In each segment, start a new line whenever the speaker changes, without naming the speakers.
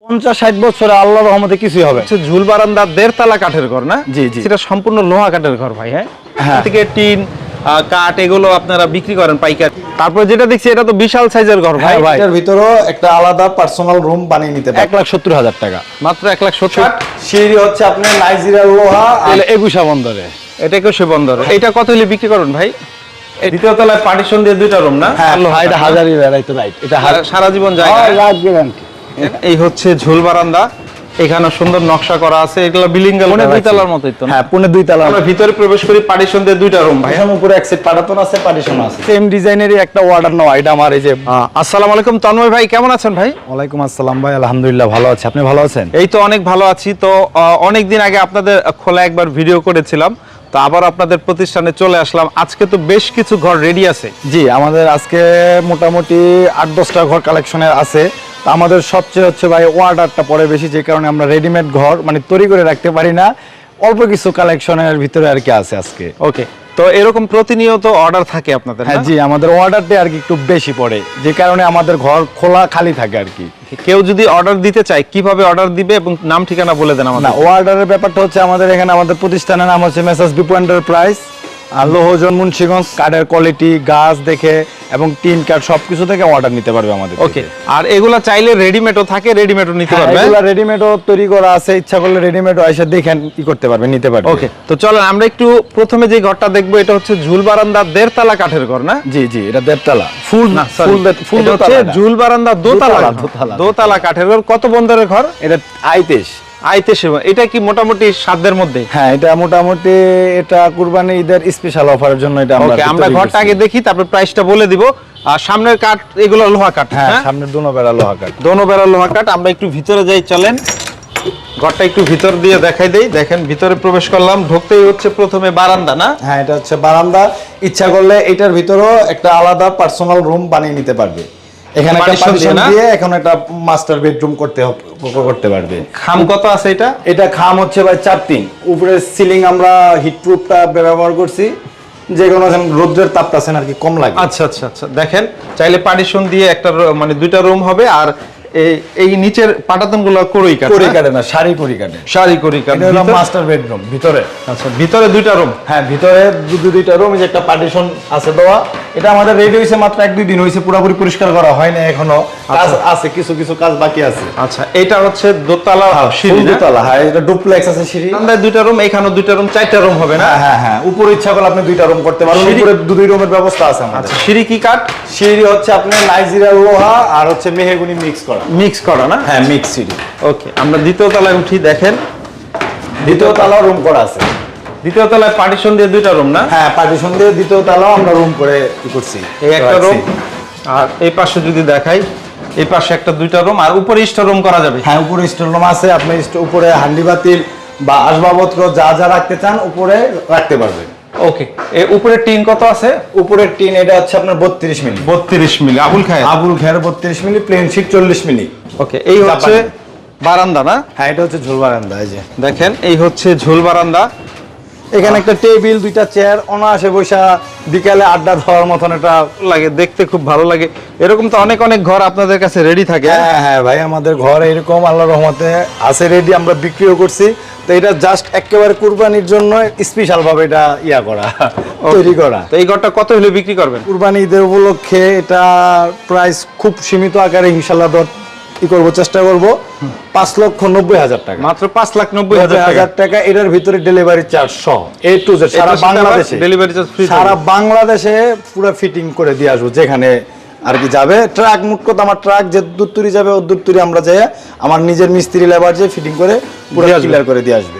50-60 বছরে আল্লাহর রহমতে কিছুই হবে।
ঝুল বারান্দা 1.5 তলা কাঠের ঘর না?
জি জি,
সেটা সম্পূর্ণ লোহা কাঠের ঘর ভাই। হ্যাঁ, থেকে টিন কাঠ এগুলো আপনারা বিক্রি করেন পাইকারি। তারপর যেটা দেখছি এটা তো বিশাল সাইজের ঘর ভাই।
এটার ভিতরেও একটা আলাদা পার্সোনাল রুম বানিয়ে নিতে পারবেন। 1,70,000 টাকা
মাত্র 1,70,000।
সিঁড়ি হচ্ছে আপনার নাইজেরিয়ার লোহা, একুশা বন্দরে।
এটা 21 বন্দর। এটা কত হলে বিক্রি করেন ভাই? দ্বিতীয় তলায় পার্টিশন দিয়ে 2টা রুম না?
হ্যাঁ, এটা হাজারি বেড়াইতো রাইট। এটা
সারা জীবন যায়। এই হচ্ছে ঝুল বারান্দা, এখানে সুন্দর নকশা করা আছে। এগুলো বিলিংগাল 2 তলার মতই তো?
হ্যাঁ, 2 তলা।
আমরা ভিতরে প্রবেশ করি, পার্টিশন দিয়ে 2টা রুম ভাই।
এখানে উপরে এক সেট পাটাতন আছে, পার্টিশন আছে। সেম ডিজাইনেরই একটা অর্ডার নাও। এটা আমার এই যে।
আসসালামু আলাইকুম তন্ময় ভাই, কেমন আছেন ভাই?
ওয়ালাইকুম আসসালাম ভাই, আলহামদুলিল্লাহ ভালো আছি। আপনি ভালো আছেন?
এই তো অনেক ভালো আছি। তো অনেক দিন আগে আপনাদের খোলা একবার ভিডিও করেছিলাম, তো আবার আপনাদের প্রতিষ্ঠানে চলে আসলাম। আজকে তো বেশ কিছু ঘর রেডি আছে।
জি, আমাদের আজকে মোটামুটি 8-10টা ঘর কালেকশনের আছে। আমাদের সবচেয়ে হচ্ছে ভাই অর্ডারটা পড়ে বেশি, যে কারণে আমরা রেডিমেড ঘর মানে তৈরি করে রাখতে পারি না। অল্প কিছু কালেকশনের ভিতরে আর কি আছে আজকে।
ওকে, তো এরকম প্রতিনিয়ত অর্ডার থাকে আপনাদের?
হ্যাঁ জি, আমাদের অর্ডারটা আর কি একটু বেশি পড়ে, যে কারণে আমাদের ঘর খোলা খালি থাকে আর কি।
কেউ যদি অর্ডার দিতে চায় কিভাবে অর্ডার দিবে এবং নাম ঠিকানা বলে দেন আমাদের।
না, অর্ডারের ব্যাপারটা হচ্ছে আমাদের এখানে আমাদের প্রতিষ্ঠানের নাম হচ্ছে মেসার্স বিপু এন্টারপ্রাইজ, আর লোহজন মুন্সিগঞ্জ। কাঠের কোয়ালিটি, গাছ দেখে এবং টিন কাঠ সবকিছু থেকে অর্ডার নিতে পারবে আমাদের।
ওকে, আর এগুলা চাইলে রেডিমেডও থাকে, রেডিমেডও নিতে পারবে?
এগুলা রেডিমেডও তৈরি করা আছে, ইচ্ছা করলে রেডিমেডও এসে দেখেন কি করতে পারবে, নিতে পারবে।
ওকে, তো চলো আমরা একটু প্রথমে যে ঘরটা দেখবো, এটা হচ্ছে ঝুল বারান্দা 1.5 তলা কাঠের ঘর না?
জি জি, এটা 1.5 তলা ফুল না,
ফুল হচ্ছে ঝুল বারান্দা 2 তলা কাঠের ঘর। কত বন্দরের ঘর
এটা? আইতেশ।
এটা কি মোটামুটি সাধ্যের মধ্যে?
হ্যাঁ, এটা মোটামুটি এটা কুরবানি ঈদের স্পেশাল অফারের জন্য এটা
আমরা ঘরটা আগে দেখি, তারপর প্রাইসটা বলে দিব। আর সামনের কাঠ এগুলো লোহা কাঠ?
হ্যাঁ, সামনের দোনো বেড়া লোহা কাঠ।
দোনো বেড়া লোহা কাঠ। আমরা একটু ভিতরে যাই, চলেন ঘরটা একটু ভিতর দিয়ে দেখাই দেই। দেখেন ভিতরে প্রবেশ করলাম, ঢুকতেই হচ্ছে প্রথমে বারান্দা না?
হ্যাঁ, এটা হচ্ছে বারান্দা। ইচ্ছা করলে এটার ভিতরেও একটা আলাদা পার্সোনাল রুম বানিয়ে নিতে পারবে। এখানে একটা পার্টিশন দিয়ে এখন একটা মাস্টার বেডরুম করতে পারবে।
খাম কত আছে এটা?
এটা খাম হচ্ছে ভাই 4-3। উপরে সিলিং আমরা হিটপ্রুফটা ব্যবহার করছি, যে কোনো রোদ্রের তাপটা আছে আর কি কম লাগে।
আচ্ছা আচ্ছা আচ্ছা, দেখেন চাইলে পার্টিশন দিয়ে একটা মানে 2টা রুম হবে। আর এই নিচের পাটাতনগুলো কড়ই কাটে
না, সারি কড়ি কাটে।
সারি কড়ি কাটে।
এটা মাস্টার বেডরুম ভিতরে।
আচ্ছা, ভিতরে 2টা রুম?
হ্যাঁ, ভিতরে 2টা রুম, যে একটা পার্টিশন আছে দেওয়া। এটা আমাদের রেডি হয়েছে মাত্র 1-2 দিন হয়েছে, পুরোপুরি পরিষ্কার করা হয় না এখনো, কাজ আছে, কিছু কিছু কাজ বাকি আছে।
আচ্ছা, এটা হচ্ছে দোতলা সিঁড়ি?
দোতলা, হ্যাঁ, এটা ডুপ্লেক্স আছে সিঁড়ি।
আমরা 2টা রুম, এখানেও 2টা রুম, 4টা রুম হবে না?
হ্যাঁ হ্যাঁ, উপরে ইচ্ছা করলে আপনি 2টা রুম করতে পারবেন। উপরে 2 রুমের ব্যবস্থা আছে আমাদের।
সিঁড়ি কি কাঠ?
সিঁড়ি হচ্ছে আপনার নাইজেরিয়ার লোহা আর হচ্ছে মেহগনি মিক্স করা না? হ্যাঁ, মিক্স সিঁড়ি।
ওকে, আমরা দ্বিতীয় তলায় উঠি। দেখেন
দ্বিতীয় তলাও রুম করা আছে।
দ্বিতীয় তলায় পার্টিশন দিয়ে 2টা রুম না?
হ্যাঁ, পার্টিশন দিয়ে দ্বিতীয় তলাও আমরা রুম করে কি করছি,
এই একটা রুম। আর এই পাশে যদি দেখাই, এই পাশে একটা 2টা রুম, আর উপরে স্টোর রুম করা যাবে?
হ্যাঁ, উপরে স্টোর রুম আছে। আপনি উপরে হান্ডি বাতিল বা আসবাবপত্র যা যা রাখতে চান উপরে রাখতে পারবেন।
ওকে, এই উপরে টিন কত আছে?
উপরের টিন এটা হচ্ছে আপনার 32 milli.
32 milli Abul Khayer?
32 milli, plain sheet 40 milli.
Okay, এই হচ্ছে বারান্দা না?
হ্যাঁ, এটা হচ্ছে ঝুল বারান্দা। এই যে
দেখেন, এই হচ্ছে ঝুল বারান্দা।
এখানে একটা টেবিল, 2টা চেয়ার, অনায়াসে বসা বিকালে আড্ডা দেওয়ার মতন এটা
লাগে, দেখতে খুব ভালো লাগে। এরকম তো অনেক অনেক ঘর আপনাদের কাছে রেডি থাকে?
হ্যাঁ হ্যাঁ ভাই, আমাদের ঘর এরকম আল্লাহর রহমতে আছে রেডি, আমরা বিক্রিও করছি। তো এটা জাস্ট একেবারে কুরবানির জন্য স্পেশাল ভাবে এটা করা, তৈরি করা।
তো এই ঘরটা কত হলে বিক্রি করবেন?
কুরবানি ঈদের উপলক্ষে এটা প্রাইস খুব সীমিত আকারে ইনশাআল্লাহ করবো, চেষ্টা করবো 5,90,000 টাকা।
মাত্র 5,90,000
টাকা। এটার ভিতরে ডেলিভারি চার্জ সহ A to Z সারা বাংলাদেশে
ডেলিভারি চার্জ ফ্রি।
সারা বাংলাদেশে পুরো ফিটিং করে দিয়ে আসবো, যেখানে আর কি যাবে। ট্রাক মুট কথা, আমার ট্রাক যে দূর তুরি যাবে ও দূর তুরি আমরা যাই, আমার নিজের মিস্ত্রি লেবার যে ফিটিং করে পুরো ক্লিয়ার করে দিয়ে আসবে।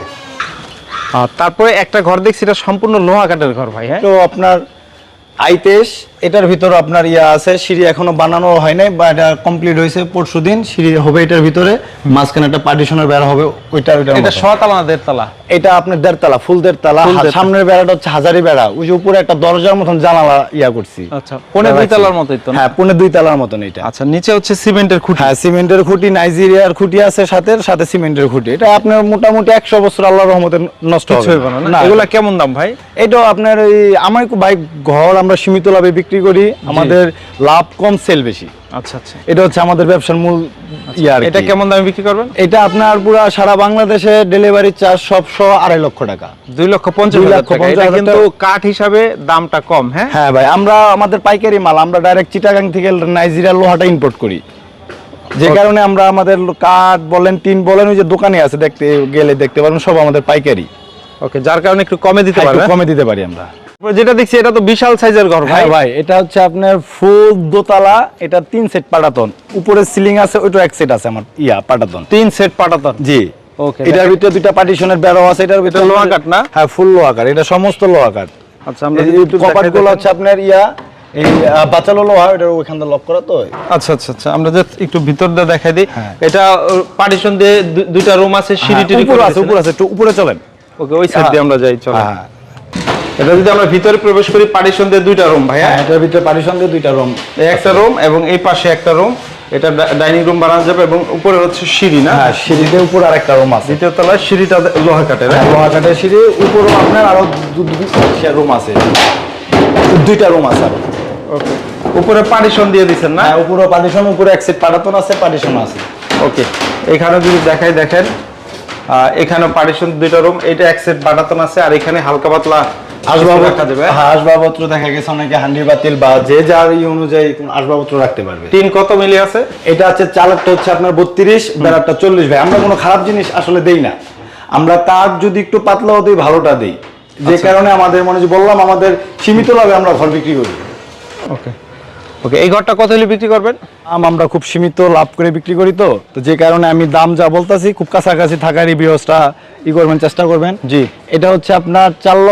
আর তারপরে একটা ঘর দেখছি, এটা সম্পূর্ণ লোহা কাঠের ঘর ভাই। হ্যাঁ,
তো আপনার আইতেশ, এটার ভিতরে আপনার আছে, সিঁড়ি এখনো বানানো হয় নাই, বা এটা কমপ্লিট হয়েছে পরশুদিন। সিঁড়ি হবে এটার ভিতরে, মাঝখানে একটা পার্টিশনের বেড়া হবে। এটা
6 তলা না 1.5 তলা?
এটা আপনার 1.5 তলা, ফুল 1.5 তলা। সামনের বেড়াটা হচ্ছে হাজারি বেড়া, ওই যে উপরে একটা দরজার মতন জানালা করছি।
আচ্ছা, 2.5 তলার মতোই তো?
হ্যাঁ, 2.5 তলার মতন এটা।
আচ্ছা, নিচে হচ্ছে সিমেন্টের খুঁটি?
হ্যাঁ, সিমেন্টের খুঁটি, নাইজেরিয়ার খুঁটি আছে সাথে সিমেন্টের খুঁটি। এটা আপনার মোটামুটি 100 বছর আল্লাহর রহমতে নষ্ট হবে না।
এগুলা কেমন দাম ভাই?
এটা আপনার আমার ভাই ঘর আমরা সীমিত লাভে বিক্রি করি, আমাদের লাভ কম, সেল বেশি।
আচ্ছা আচ্ছা,
এটা হচ্ছে আমাদের ব্যবসার মূল ইয়ে আর কি।
এটা কেমন দামে বিক্রি করবেন?
এটা আপনার পুরো সারা বাংলাদেশে ডেলিভারি চার্জ সব সহ 2.5 লক্ষ টাকা।
2,50,000 টাকা। এটা কিন্তু কাঠ হিসাবে দামটা কম। হ্যাঁ
হ্যাঁ ভাই, আমরা আমাদের পাইকারি মাল আমরা ডাইরেক্ট চিটাগাং থেকে নাইজেরিয়ার লোহাটা ইম্পোর্ট করি, যে কারণে আমরা আমাদের কাঠ বলেন টিন বলেন ওই যে দোকানে আছে দেখতে গেলে দেখতে পারেন সব আমাদের পাইকারি।
ওকে, যার কারণে একটু কমে দিতে
একটু
পারবেন।
কমে দিতে পারি আমরা।
যেটা দেখছি এটা তো বিশাল সাইজের ঘর ভাই।
হ্যাঁ ভাই, এটা হচ্ছে আপনার ফুল দোতলা, এটা 3 সেট পাটাতন, উপরে সিলিং আছে, ওইটা এক সেট আছে আমার পাটাতন
3 সেট পাটাতন।
জি।
ওকে,
এটার ভিতরে দুইটা পার্টিশনের বেড়া আছে, এটার ভিতরে
লোহা কাঠ না?
হ্যাঁ ফুল লোহা কাঠ, এটা সমস্ত লোহা কাঠ।
আচ্ছা, আমরা
কপাটগুলো হচ্ছে আপনার এই বাচালো লোহা, এটা ওইখান থেকে লক করা তো।
আচ্ছা আচ্ছা আচ্ছা, আমরা জাস্ট একটু ভিতর দিয়ে দেখাই দিই।
হ্যাঁ।
এটা পার্টিশন দিয়ে দুইটা রুম আছে, সিঁড়ি টিড়ি
উপরে আছে, উপরে আছে, একটু উপরে চলেন।
ওকে, ওই সাইড দিয়ে আমরা যাই, চলো।
হ্যাঁ,
এটা যদি আমরা ভিতরে প্রবেশ করি, পার্টিশন দিয়ে দুইটা রুম ভাইয়া।
হ্যাঁ, এটার ভিতরে পার্টিশন দিয়ে দুইটা রুম,
একটা রুম এবং এই পাশে একটা রুম, এটা ডাইনিং রুম বানানো যাবে এবং উপরে হচ্ছে সিঁড়ি না?
হ্যাঁ, সিঁড়িতে উপরে আরেকটা রুম আছে,
দ্বিতীয় তলায় সিঁড়িটা লোহা কাঠের।
হ্যাঁ, লোহা কাঠের সিঁড়ি, উপরে আপনার আরো দুইটা রুম আছে, দুইটা রুম আছে আরো।
ওকে, উপরে পার্টিশন দিয়ে দিচ্ছেন না?
হ্যাঁ, উপরে পার্টিশন, উপরে এক সেট পাটাতন আছে, পার্টিশন আছে।
ওকে, এখানে যদি দেখাই দেখেন, এখানে পার্টিশন দুইটা রুম, এটা এক সেট পাটাতন আছে, আর এখানে হালকা পাতলা আসবাবপত্র রাখা যাবে।
হ্যাঁ, আসবাবপত্র দেখা গেছে অনেকে হান্ডি বাতিল বা যে যার অনুযায়ী কোন আসবাবপত্র রাখতে পারবে।
টিন কত মিলি আছে?
এটা আছে চালাকটা হচ্ছে আপনার 32, বেড়াটা 40 ভাই। আমরা কোনো খারাপ জিনিস আসলে দেই না, আমরা কাঠ যদি একটু পাতলাও দিই ভালোটা দিই, যে কারণে আমাদের মনে যে বললাম আমাদের সীমিত লাভে আমরা ঘর বিক্রি করি।
ওকে ওকে, এই ঘরটা কত হলে বিক্রি করবেন?
আমরা খুব সীমিত লাভ করে বিক্রি করি, তো যে কারণে আমি দাম যা বলতাছি খুব কাছাকাছি থাকার রিভিউসটা করবেন, চেষ্টা করবেন।
জি,
এটা হচ্ছে আপনার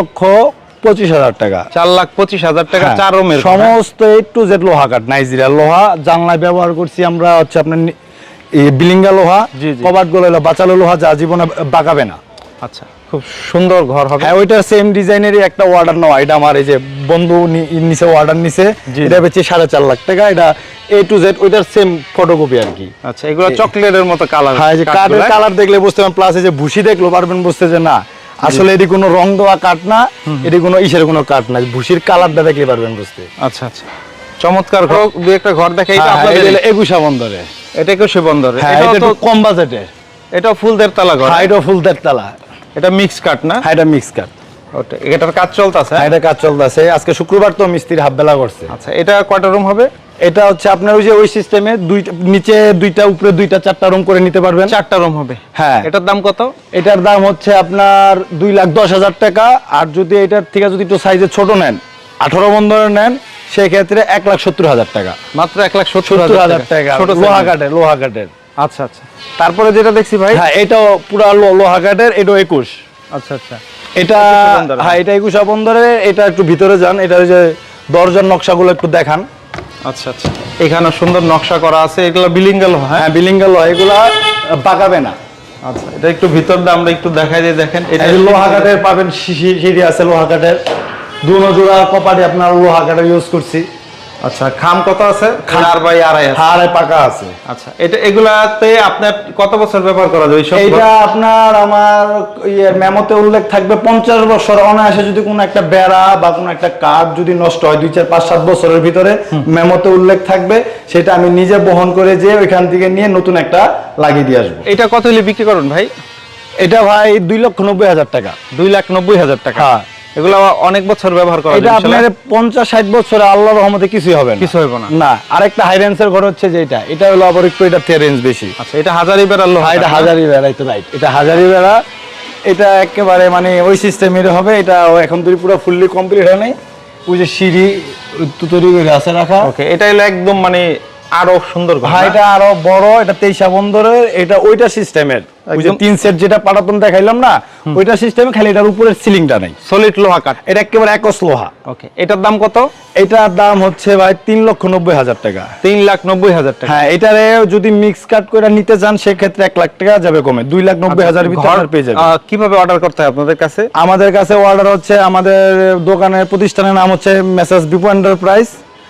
4,25,000 টাকা।
4,25,000 টাকা, 4 রুমের
সমস্ত A to Z লোহা কাঠ, নাইজেরিয়া লোহা। জানলায় ব্যবহার করছি আমরা হচ্ছে আপনার বিলিঙ্গা লোহা,
জি, জি।
কবাটগুলো হলো বাচালো লোহা, যা জীবনে বাঁকাবে না।
আচ্ছা, খুব সুন্দর ঘর হবে।
হ্যাঁ, ওইটার সেম ডিজাইনেরই একটা অর্ডার নেওয়া, এটা আমার এই যে বন্ধু নিচে অর্ডার নিছে,
জি।
এটা বেচে 4.5 লাখ টাকা। এটা A to Z ওইটার সেম ফটোকপি আর কি।
আচ্ছা, এগুলো চকলেটের মতো কালার।
হ্যাঁ, যে কাঠের কালার দেখলে বুঝতে পারবেন, প্লাস এই যে ভুসি দেখলো পারবেন বুঝতে যে না আসলে এটি কোনো রং দেওয়া কাঠ না, এটি কোনো ইসের কোনো কাঠ না, ভুসির কালারটা দেখলে পারবেন বুঝতে।
আচ্ছা আচ্ছা, চমৎকার ঘর। দুই একটা ঘর দেখাই। এটা
হ্যাঁ,
আপনাদের
এটা হলো একুশা বন্দরে।
এটা একুশে বন্দরে।
হ্যাঁ,
এটাও
এটা
তো
একটু কম বাজেটের।
এটা ফুল দেড়তলা ঘর।
হ্যাঁ, এটা ফুল দেড়তলা।
এটা মিক্স কাঠ না?
হ্যাঁ, এটা মিক্স কাঠ।
ওটা, এটার কাজ চলতেছে।
হ্যাঁ, এটা কাজ চলতেছে, আজকে শুক্রবার তো মিস্ত্রি হাফ বেলা করছে।
আচ্ছা, এটা কয়টা রুম হবে?
এটা হচ্ছে আপনার ওই যে ওই সিস্টেমে দুইটা নিচে দুইটা উপরে দুইটা 4টা রুম করে নিতে পারবেন।
4টা রুম হবে।
হ্যাঁ।
এটার দাম কত?
এটার দাম হচ্ছে আপনার 2,10,000 টাকা। আর যদি এটার থেকে যদি একটু সাইজে ছোট নেন, 18 বন্দরের নেন, সেক্ষেত্রে 1,70,000 টাকা।
মাত্র
1,70,000 টাকা,
ছোট
লোহা কাঠের, লোহা কাঠের।
আচ্ছা আচ্ছা, তারপরে যেটা দেখছি ভাই।
হ্যাঁ, এটাও পুরা লোহা কাঠের, এটাও 21।
আচ্ছা আচ্ছা,
এটা
21 বন্দরের।
হ্যাঁ, এটা 21 বন্দরে। এটা একটু ভিতরে যান, এটা ওই যে দরজার নকশাগুলো একটু দেখান।
আচ্ছা আচ্ছা, এখানে সুন্দর নকশা করা আছে, এগুলো বিলিঙ্গা লোহা।
হ্যাঁ, বিলিঙ্গা লোহা, এগুলা বাঁকাবে না।
আচ্ছা, এটা একটু ভিতর দিয়ে আমরা একটু দেখাই দিয়ে দেখেন। এটা
এই যে লোহা কাঠের পাবেন, সিঁড়ি আছে লোহা কাঠের, দুনো জোড়া কপাটে আপনার লোহা কাঠের ইউজ করছি।
আচ্ছা, খাম কত আছে? 4/2.5 আছে।
আর পাকা আছে।
আচ্ছা, এটা এগুলাতে আপনার কত বছর ব্যবহার করা যায় এইসব?
এইটা আপনার আমার মেমোতে উল্লেখ থাকবে 50 বছর অনায়াসে। যদি কোনো একটা বেড়া বা কোনো একটা কাঠ যদি নষ্ট হয় 2, 4, 5, 7 বছরের ভিতরে মেমোতে উল্লেখ থাকবে, সেটা আমি নিজে বহন করে যে ওইখান থেকে নিয়ে নতুন একটা লাগিয়ে দিয়ে আসবো।
এটা কত হলে বিক্রি করুন ভাই?
এটা ভাই 2,90,000 টাকা।
2,90,000 টাকা।
হ্যাঁ,
এগুলো অনেক বছর ব্যবহার করা
এটা
যায়।
আপনার 50-60 বছরে আল্লাহর রহমতে কিছুই হবে না।
কিছু হইব না।
না, আরেকটা হাই রেঞ্জের ঘর হচ্ছে যেটা, এটা হলো আবার একটু এটা রেঞ্জ বেশি।
আচ্ছা, এটা হাজারি বেড়ার লোহা।
এটা হাজারি বেড়া, তো রাইট, এটা হাজারি বেড়া। এটা একেবারে মানে ওই সিস্টেমের হবে। এটা এখন তো পুরো ফুললি কমপ্লিট হয় নাই, ওই যে সিঁড়ি তৈরি করে আছে রাখা।
ওকে, এটা হলো একদম মানে আরো সুন্দর ঘর।
হ্যাঁ, এটা আরো বড়, এটা 23 বন্দরের, এটা ওইটা সিস্টেমের, ওই যে 3 সেট যেটা পাটাতন দেখাইলাম না, ওইটা সিস্টেমে, খালি এটার উপরের সিলিংটা নাই,
সলিড লোহা কাঠ।
এটা একেবারে একস লোহা।
ওকে, এটার দাম কত?
এটার দাম হচ্ছে ভাই 3,90,000 টাকা।
3,90,000 টাকা।
হ্যাঁ, এটারে যদি মিক্স কাট করে নিতে চান সেক্ষেত্রে 1 লাখ টাকা যাবে কমে, 2,90,000 ভিতরে আপনার পেয়ে যাবেন।
কিভাবে অর্ডার করতে হয় আপনাদের কাছে?
আমাদের কাছে অর্ডার হচ্ছে, আমাদের দোকানের প্রতিষ্ঠানের নাম হচ্ছে মেসার্স বিপু এন্টারপ্রাইজ।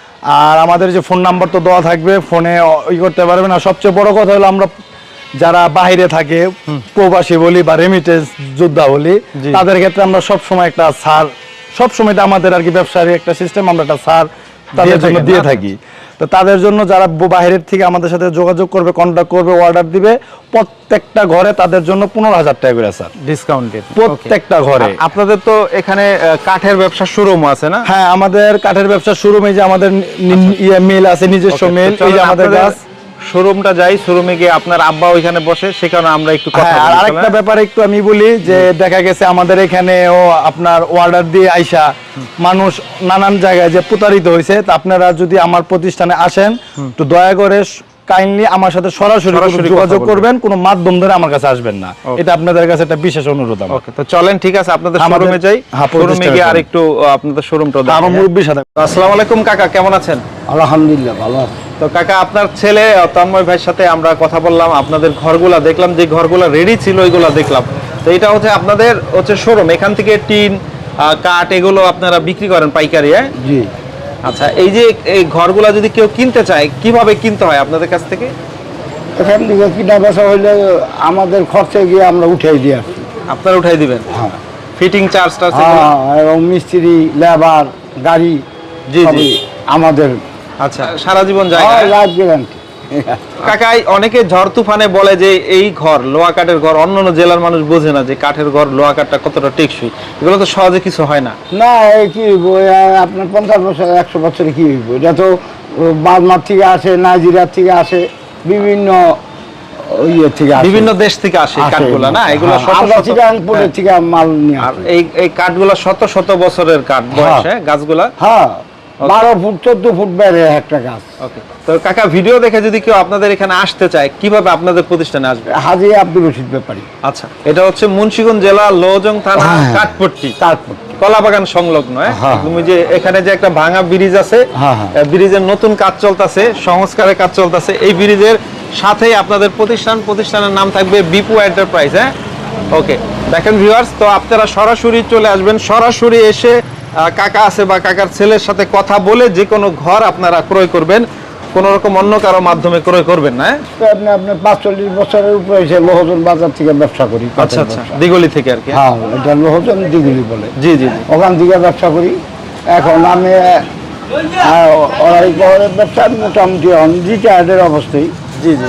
আর আমাদের যে ফোন নাম্বার তো দেওয়া থাকবে, ফোনে ই করতে পারবেন। আর সবচেয়ে বড় কথা হলো আমরা যারা বাইরে থাকে, প্রবাসী বলি বা রেমিটেন্স যোদ্ধা বলি, তাদের ক্ষেত্রে আমরা সবসময় একটা ছাড়, সবসময় এটা আমাদের আর কি ব্যবসার একটা সিস্টেম, আমরা একটা ছাড় তাদের জন্য দিয়ে থাকি। তো তাদের জন্য যারা বাইরের থেকে আমাদের সাথে যোগাযোগ করবে, কন্ট্যাক্ট করবে, অর্ডার দিবে, প্রত্যেকটা ঘরে তাদের জন্য 15,000 টাকা করে স্যার,
ডিসকাউন্টেড
প্রত্যেকটা ঘরে।
আপনাদের তো এখানে কাঠের ব্যবসা শোরুম আছে না?
হ্যাঁ, আমাদের কাঠের ব্যবসা শুরু, এই যে আমাদের মিল আছে, নিজস্ব মিল, এই যে আমাদের গাছ।
শোরুমটা যাই, শোরুমে গিয়ে আপনার আব্বা ওইখানে বসে, সেখানে আমরা একটু কথা
হ্যাঁ, আর
বলি।
আরেকটা ব্যাপারে একটু আমি বলি যে দেখা গেছে আমাদের এখানেও আপনার অর্ডার দিয়ে আইসা মানুষ নানান জায়গায় যে প্রতারিত হয়েছে, তা আপনারা যদি আমার প্রতিষ্ঠানে আসেন তো দয়া করে কাইন্ডলি আমার সাথে সরাসরি যোগাযোগ করবেন, কোনো মাধ্যম ধরে আমার কাছে আসবেন না, এটা আপনাদের কাছে একটা বিশেষ অনুরোধ আমার।
ওকে, তো চলেন, ঠিক আছে, আপনাদের শোরুমে যাই। শোরুমে গিয়ে আর একটু আপনাদের শোরুমটা দেখি।
আমার মুরব্বির সাথে।
আসসালামু আলাইকুম কাকা, কেমন আছেন?
আলহামদুলিল্লাহ ভালো আছে।
তো কাকা, আপনার ছেলে তন্ময় ভাইয়ের সাথে আমরা কথা বললাম, আপনাদের ঘরগুলা দেখলাম, যে ঘরগুলা রেডি ছিল ওইগুলা দেখলাম। তো এটা হচ্ছে আপনাদের শোরুম, এখান থেকে টিন, কাঠ এগুলো আপনারা বিক্রি করেন পাইকারি? হ্যাঁ
জি।
আচ্ছা, এই যে এই ঘরগুলা যদি কেউ কিনতে চায়, কিভাবে কিনতে হয় আপনাদের কাছ থেকে?
এখান থেকে কিনা বেচা হইলে আমাদের খরচে গিয়ে আমরা উঠাই দিয়ে আসি।
আপনারা উঠাই দিবেন?
হ্যাঁ,
ফিটিং চার্জটা?
এবং মিস্ত্রি, লেবার, গাড়ি
জি জি,
সবই আমাদের।
আচ্ছা, সারা জীবন যায়?
Life guarantee.
কাকাই, অনেকে ঝড় তুফানে বলে যে এই ঘর লোহা কাঠের ঘর, অন্যান্য জেলার মানুষ বোঝে না যে কাঠের ঘর, লোহা কাঠটা কতটা টেকসই। এগুলো তো সহজে কিছু হয় না।
না, এই কি হইব, আপনার 50 বছর 100 বছরে কি হইব? এটা তো বার্মার থেকে আসে, নাইজেরিয়ার থেকে আসে, বিভিন্ন ইয়ে থেকে আসে,
বিভিন্ন দেশ থেকে আসে কাঠগুলা না? এগুলো
আমরা চিরাংপুরের থেকে মাল নিয়ে
আর
আসি।
এই কাঠগুলা শত শত বছরের কাঠ বয়স, হ্যাঁ, গাছগুলা।
হ্যাঁ, 12 ফুট 14 ফুট বেড়ে একটা গাছ।
ওকে, তো কাকা, ভিডিও দেখে যদি কেউ আপনাদের এখানে আসতে চায়, কিভাবে আপনাদের প্রতিষ্ঠানে আসবে?
হাজী আব্দুল রশিদ ব্যাপারী।
আচ্ছা, এটা হচ্ছে মুন্সিগঞ্জ জেলা লৌহজং থানা,
হ্যাঁ।
কাঠপট্টি,
তারপর
কলাবাগান সংলগ্ন।
হ্যাঁ।
তুমি যে এখানে যে একটা ভাঙা ব্রিজ আছে,
হ্যাঁ, হ্যাঁ।
ব্রিজের নতুন কাজ চলতেছে, সংস্কারের কাজ চলতেছে, এই ব্রিজের সাথেই আপনাদের প্রতিষ্ঠানের নাম থাকবে বিপু এন্টারপ্রাইজ। হ্যাঁ, ওকে, দেখেন ভিউয়ার্স, তো আপনারা সরাসরি চলে আসবেন, সরাসরি এসে কাকা আছে বা কাকার ছেলের সাথে কথা বলে যে কোনো ঘর আপনারা ক্রয় করবেন, কোনো রকম অন্য কারো মাধ্যমে ক্রয় করবেন না।
আপনার 45 বছরের উপরে এসে লোহজন বাজার থেকে ব্যবসা করি।
আচ্ছা আচ্ছা, দিগলি থেকে আর কি?
হ্যাঁ, এটা লোহজন দিগুলি বলে।
জি জি,
ওখান থেকে ব্যবসা করি। এখন আমি ওরাই শহরের ব্যবসা মোটামুটি রিটায়ার্ডের অবস্থায়।
জি জি,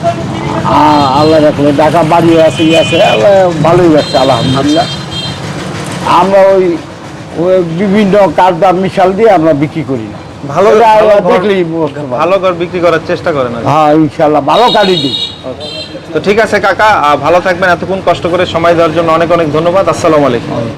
আল্লাহ রাখলে ঢাকা বাড়ি আছে, আছে, আল্লাহ ভালোই যাচ্ছে আলহামদুলিল্লাহ। আমরা ওই বিভিন্ন কাঠদাম মিশাল দিয়ে আমরা বিক্রি করি না।
ভালো
দেখলেই
ভালো ঘর বিক্রি করার চেষ্টা করেন।
হ্যাঁ, ইনশাল্লাহ ভালো কাঠই দিই।
তো ঠিক আছে কাকা, ভালো থাকবেন, এতক্ষণ কষ্ট করে সময় দেওয়ার জন্য অনেক অনেক ধন্যবাদ। আসসালামু আলাইকুম।